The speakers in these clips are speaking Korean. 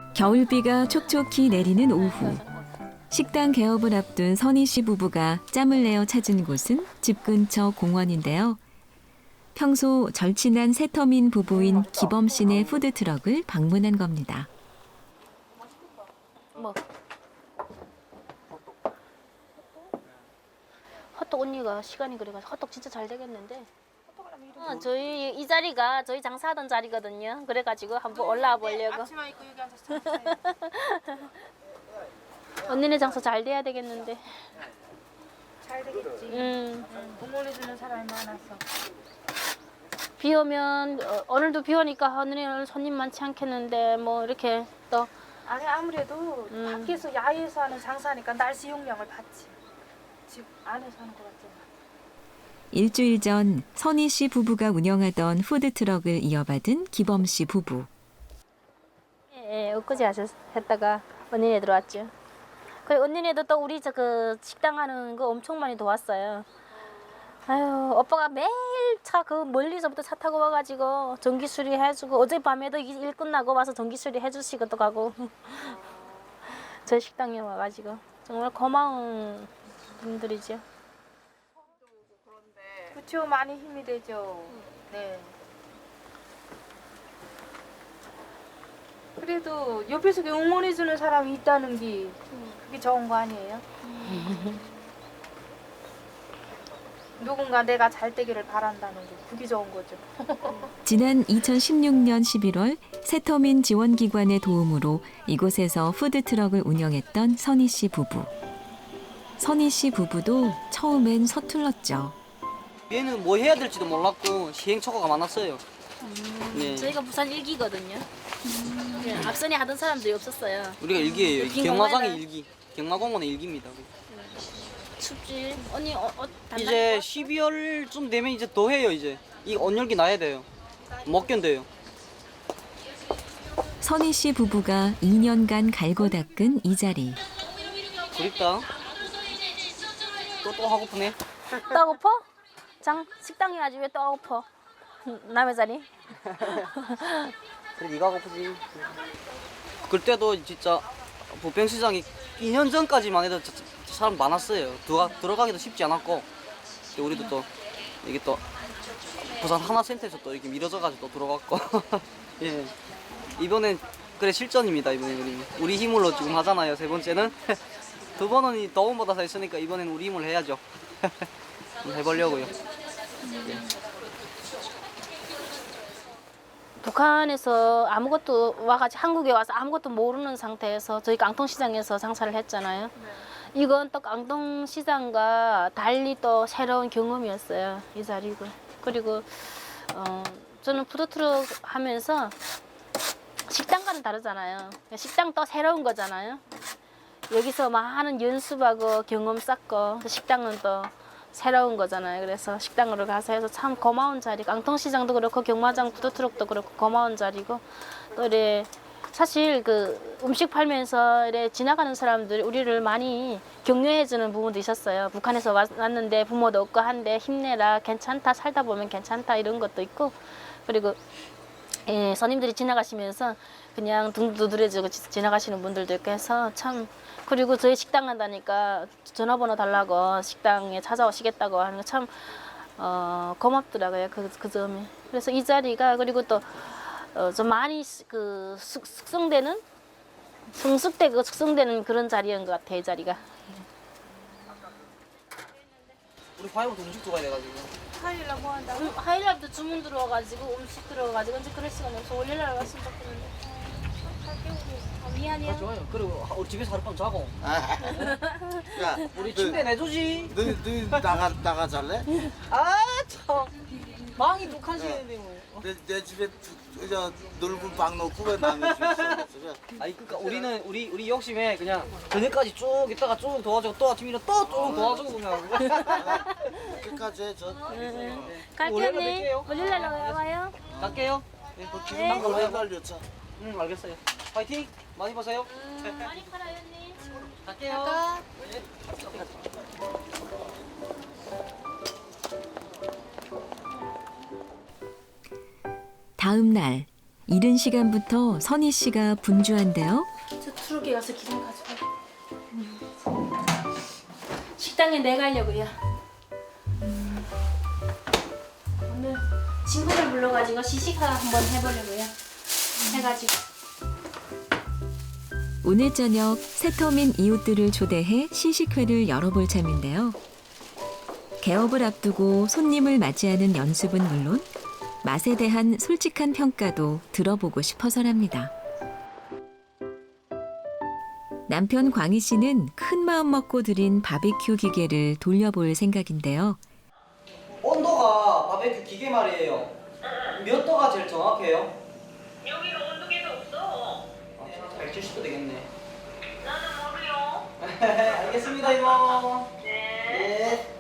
겨울비가 촉촉히 내리는 오후. 식당 개업을 앞둔 선희 씨 부부가 짬을 내어 찾은 곳은 집 근처 공원인데요. 평소 절친한 새터민 부부인 기범 씨네 푸드트럭을 방문한 겁니다. 뭐? 헛떡 언니가 시간이 그래가지고 헛떡 진짜 잘 되겠는데. 저희 이 자리가 저희 장사하던 자리거든요. 그래가지고 한번 올라와 보려고. 앞치마 입고 여기 앉아서 장사해요. 언니네 장사 잘 돼야 되겠는데. 잘 되겠지. 응원해주는 사람이 많아서. 비 오면 오늘도 비 오니까 오늘 손님 많지 않겠는데 뭐 이렇게 또 아니 아무래도 밖에서 야외에서 하는 장사니까 날씨 용량을 받지. 집 안에서 하는 것 같잖아. 일주일 전 선희 씨 부부가 운영하던 푸드트럭을 이어받은 기범 씨 부부. 예, 엊그제 했다가 언니네 들어왔죠. 그리고 언니네도 또 우리 그 식당 하는 거 엄청 많이 도왔어요. 아유, 오빠가 매일 차 그 멀리서부터 차 타고 와가지고 전기 수리 해주고 어젯밤에도 일 끝나고 와서 전기 수리 해주시고 또 가고 저희 식당에 와가지고 정말 고마운 분들이죠. 그쵸, 많이 힘이 되죠. 네. 그래도 옆에서 응원해주는 사람이 있다는 게 그게 좋은 거 아니에요? 누군가 내가 잘 되기를 바란다는 게 그게 좋은 거죠. 지난 2016년 11월 새터민 지원기관의 도움으로 이곳에서 푸드트럭을 운영했던 선희 씨 부부. 선희 씨 부부도 처음엔 서툴렀죠. 얘는 뭐 해야 될지도 몰랐고 시행착오가 많았어요. 네. 저희가 부산 일기거든요. 네, 앞선에 하던 사람들이 없었어요. 우리가 일기예요. 빈 경마장의 공간을- 일기. 경마공원의 일기입니다. 춥지. 언니 이제 12월쯤 되면 이제 더 해요. 이제 이 온열기 나야 돼요. 못 견뎌요. 선희 씨 부부가 2년간 갈고 닦은 이 자리. 그립다. 또 하고프네. 또 하고퍼? 식당에 아주 왜 또 하고퍼? 남의 자리? 그래 네가 하고프지. 그때도 진짜 부평시장이 2년 전까지만 해도 진짜 사람 많았어요. 들어가기도 쉽지 않았고 우리도 또 이게 또 부산 하나센터에서 또 이렇게 밀어져가지고 또 들어갔고 예 이번엔 그래 실전입니다. 이번엔 우리 힘으로 지금 하잖아요. 세 번째는 두 번은 이 더운보다 더 했으니까 이번엔 우리 힘을 해야죠. 한번 해보려고요. 북한에서 아무것도 와가지고 한국에 와서 아무것도 모르는 상태에서 저희 깡통시장에서 장사를 했잖아요. 이건 또 깡통시장과 달리 또 새로운 경험이었어요. 이 자리고. 그리고 저는 푸드트럭 하면서 식당과는 다르잖아요. 식당 또 새로운 거잖아요. 여기서 많은 연습하고 경험 쌓고 식당은 또 새로운 거잖아요. 그래서 식당으로 가서 해서 참 고마운 자리. 깡통시장도 그렇고 경마장 푸드트럭도 그렇고 고마운 자리고 또 이래 사실 그 음식 팔면서 이래 지나가는 사람들이 우리를 많이 격려해주는 부분도 있었어요. 북한에서 왔는데 부모도 없고 한데 힘내라, 괜찮다, 살다 보면 괜찮다 이런 것도 있고 그리고 예, 손님들이 지나가시면서 그냥 등 두드려주고 지나가시는 분들도 있고 해서 참 그리고 저희 식당 간다니까 전화번호 달라고 식당에 찾아오시겠다고 하는 거 참 고맙더라고요. 그 점이. 그래서 이 자리가 그리고 또 좀 많이 그 숙성되는 성숙되고 숙성되는 그런 자리인 것 같아요. 이 자리가. 우리 화요일부터 음식 들어가야 돼가지고. 화요일날 뭐 한다? 하이라이트 주문 들어와가지고 음식 들어와가지고 언제 그럴 시간이 없어. 월요일날 왔으면 좋겠는데. 미안해요. 좋아요. 그리고 우리 집에서 하룻밤 자고. 야, 우리 침대 내주지. 너 나가 잘래? 아 참. 방이 북한식인데 뭐. 내 집에 저 넓은 방 놓고 왜 남의 집에 있어? 아니 그러니까 우리는 우리 욕심에 그냥 저녁까지 쭉 있다가 쭉 도와주고 또 아침이라 또 쭉 도와주고 그냥. 끝까지 해 저. 갈게요, 언니. 월요일날 와요. 갈게요. 네, 난 걸로 날렸자. 응 알겠어요. 파이팅 많이 보세요. 많이 팔아요, 언니. 갈게요. 네. 다음 날 이른 시간부터 선희 씨가 분주한데요. 저 트럭에 가서 기름 가져가. 식당에 내가려고요. 오늘 친구들 불러가지고 시식회 한번 해보려고요. 해가지고. 오늘 저녁 새터민 이웃들을 초대해 시식회를 열어볼 참인데요. 개업을 앞두고 손님을 맞이하는 연습은 물론 맛에 대한 솔직한 평가도 들어보고 싶어서랍니다. 남편 광희 씨는 큰 마음 먹고 들인 바비큐 기계를 돌려볼 생각인데요. 온도가 바베큐 기계 말이에요. 몇 도가 제일 정확해요? 여기는 온도계도 없어. 170도 되겠네. 나는 모르요. 알겠습니다, 이모. 네.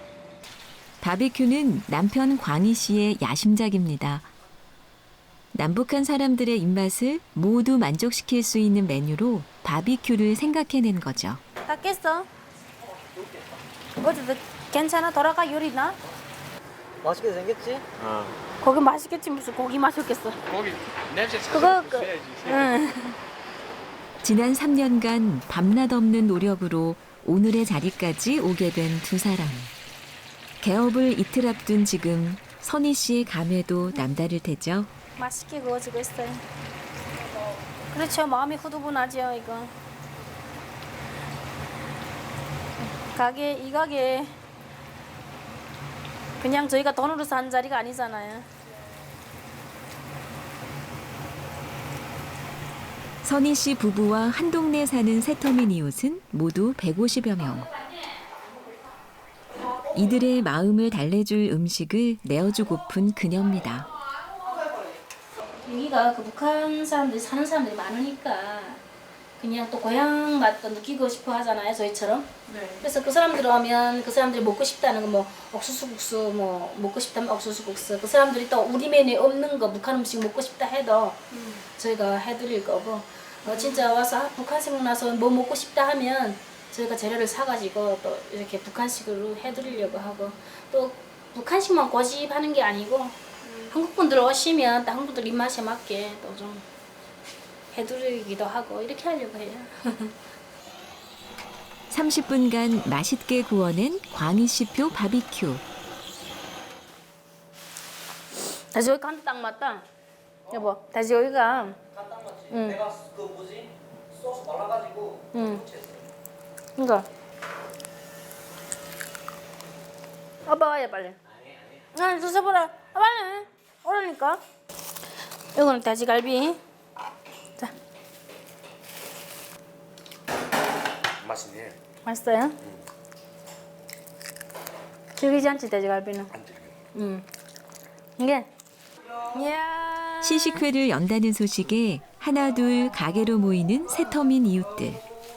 바비큐는 남편 광희 씨의 야심작입니다. 남북한 사람들의 입맛을 모두 만족시킬 수 있는 메뉴로 바비큐를 생각해낸 거죠. 다 깼어? 어디 괜찮아? 돌아가 요리나? 맛있게 생겼지? 고기 맛있겠지 무슨 고기 맛있겠어. 거기 냄새 그거 찾아서 줘야지. 응. 지난 3년간 밤낮 없는 노력으로 오늘의 자리까지 오게 된 두 사람. 개업을 이틀 앞둔 지금 선희 씨의 감회도 남다를 테죠. 맛있게 구워지고 있어요. 그렇죠. 마음이 후두분하죠 이거. 이 가게 그냥 저희가 돈으로 산 자리가 아니잖아요. 선희 씨 부부와 한 동네 사는 새터민 이웃은 모두 150여 명. 이들의 마음을 달래줄 음식을 내어주고픈 그녀입니다. 여기가 그 북한 사람들이 사는 사람들이 많으니까 그냥 또 고향 맛도 느끼고 싶어 하잖아요 저희처럼. 그래서 그 사람들 오면 그 사람들이 먹고 싶다는 거 뭐 옥수수국수 뭐 먹고 싶다면 옥수수국수, 그 사람들이 또 우리 메뉴에 없는 거 북한 음식 먹고 싶다 해도 저희가 해드릴 거고, 진짜 와서 북한 생각나서 뭐 먹고 싶다 하면 저희가 재료를 사가지고 또 이렇게 북한식으로 해드리려고 하고, 또 북한식만 고집하는 게 아니고 한국 분들 오시면 또 한국 분들 입맛에 맞게 또 좀 해드리기도 하고 이렇게 하려고 해요. 30분간 맛있게 구워낸 광희씨표 바비큐. 돼지고기 간도 딱 맞다. 여보, 돼지고기가. 응. 내가 그 뭐지? 소스 말라가지고 응. 이거. 아빠 와야 빨리. 아니 드셔보라. 빨리. 오라니까. 이거는 돼지갈비. 자, 맛있네. 맛있어요? 질기지 않지 돼지갈비는? 안 들려. 응. 이게. 이야. 시식회를 연다는 소식에 하나둘 가게로 모이는 새터민 이웃들.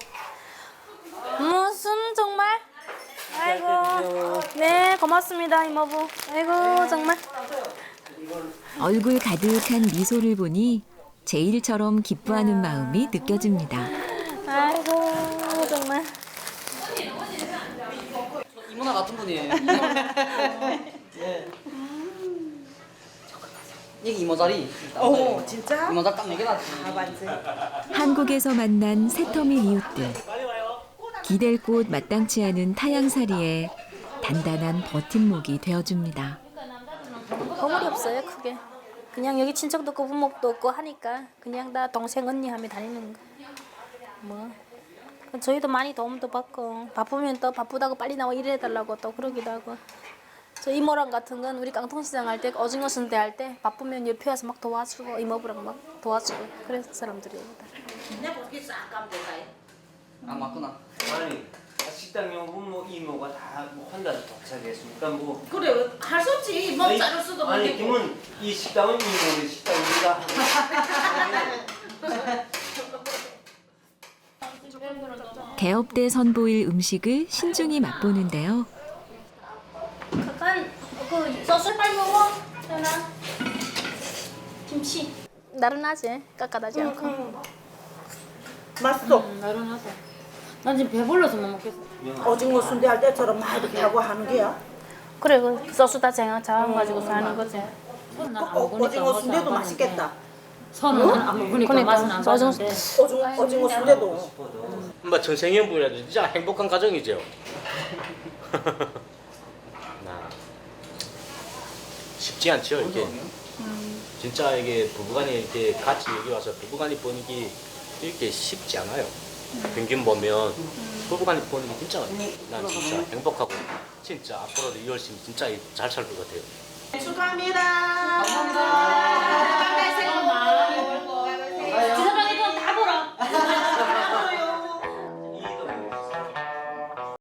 무슨 정말? 아이고. 네, 고맙습니다 이모부. 아이고 정말. 얼굴 가득한 미소를 보니 제일처럼 기뻐하는 마음이 느껴집니다. 아이고 정말. 이모나 같은 분이에요. 예. 이게 이모 자리. 오, 진짜? 이모 자리 딱 4개 놨지. 아, 맞지? 한국에서 만난 새터민 이웃들. 기댈 곳 마땅치 않은 타양살이에 단단한 버팀목이 되어줍니다. 거물이 없어요 크게. 그냥 여기 친척도 없고 부모도 없고 하니까 그냥 다 동생 언니 하며 다니는 거. 뭐 저희도 많이 도움도 받고 바쁘면 또 바쁘다고 빨리 나와 일해달라고 또 그러기도 하고. 저 이모랑 같은 건 우리 깡통시장 할 때 오징어 순대 할 때 바쁘면 옆에 와서 막 도와주고 이모부랑 막 도와주고 그래서 사람들이에요. 아 맞구나. 아니, 식당에 오면 뭐 이모가 다 뭐 한다고 도착했으니까 뭐. 그래 할 수 없지. 뭐 자를 수도 아니, 없고. 그러면 이 식당은 이모의 식당입니다. 개업 때 선보일 음식을 신중히 맛보는데요. 약간 그 소스 빨리 먹어. 현아. 김치. 나른하지? 깎아다지 않고. 맛있어. 나른하다. 난 지금 배불러서 못 먹겠어. 오징어 순대 할 때처럼 막 이렇게 하고 하는 게야. 그래 그 소스 다 쟁여가지고 하는 거지. 오징어 순대도 맛있겠다. 선은 안 먹으니까 맛은 안 나는데. 오징어 순대도. 뭐 전생연분이라도 진짜 행복한 가정이죠. 나 쉽지 않죠 이게. 진짜 이게 부부간이 이렇게 같이 여기 와서 부부간이 버는 게 이렇게 쉽지 않아요. 평균 보면 부부간이 버는 게 진짜 난 진짜 행복하고 진짜 앞으로도 이 열심히 진짜 잘 살 것 같아요. 축하합니다.